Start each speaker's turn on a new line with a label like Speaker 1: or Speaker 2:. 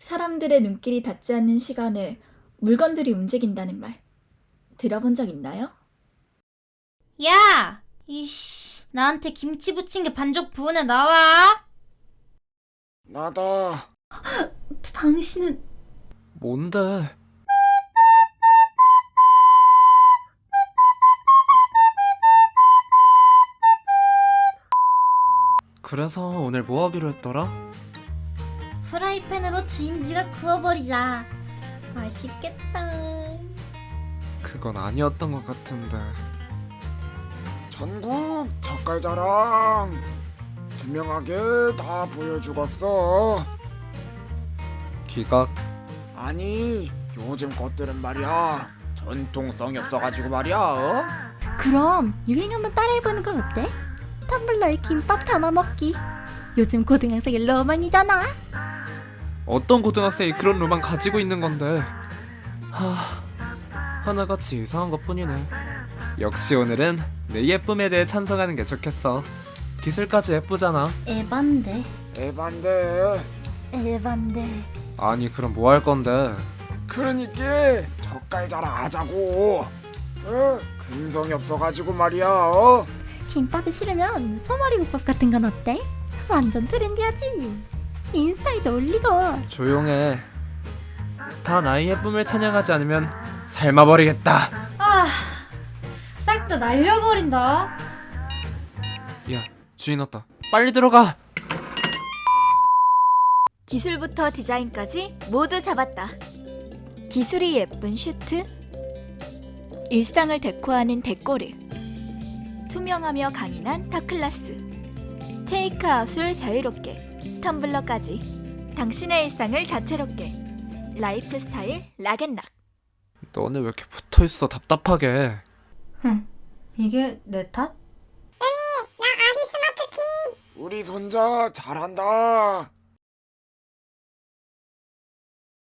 Speaker 1: 사람들의 눈길이 닿지 않는 시간에 물건들이 움직인다는 말 들어본 적 있나요?
Speaker 2: 야! 이씨, 나한테 김치 부친 게 반죽 부은에 나와!
Speaker 3: 나다.
Speaker 1: 당신은
Speaker 3: 뭔데? 그래서 오늘 뭐 하기로 했더라?
Speaker 2: 프라이팬으로 주인지가 구워버리자. 맛있겠다.
Speaker 3: 그건 아니었던 것 같은데. 전국 젓갈자랑 투명하게 다 보여주겠어. 기각? 아니, 요즘 것들은 말이야 전통성이 없어가지고 말이야. 어?
Speaker 4: 그럼 유행 한번 따라해보는 건 어때? 텀블러에 김밥 담아 먹기. 요즘 고등학생의 로망이잖아.
Speaker 3: 어떤 고등학생이 그런 로망 가지고 있는 건데. 하나같이 이상한 것뿐이네. 역시 오늘은 내 예쁨에 대해 찬성하는 게 좋겠어. 기술까지 예쁘잖아.
Speaker 2: 에반데.
Speaker 3: 에반데.
Speaker 2: 에반데.
Speaker 3: 아니 그럼 뭐 할 건데? 그러니까 젓갈 자랑하자고. 근성이 없어가지고 말이야.
Speaker 4: 김밥이 싫으면 소머리 국밥 같은 건 어때? 완전 트렌디하지. 인스타에도 올리고.
Speaker 3: 조용해. 다 나의 예쁨을 찬양하지 않으면 삶아버리겠다.
Speaker 2: 아, 싹 다 날려버린다.
Speaker 3: 야, 주인 왔다. 빨리 들어가.
Speaker 1: 기술부터 디자인까지 모두 잡았다. 기술이 예쁜 슈트, 일상을 데코하는 데코르, 투명하며 강인한 타클라스, 테이크아웃을 자유롭게, 텀블러까지 당신의 일상을 다채롭게. 라이프 스타일 락앤락.
Speaker 3: 너네 왜 이렇게 붙어있어 답답하게.
Speaker 2: 이게 내 탓?
Speaker 3: 우리 손자 잘한다.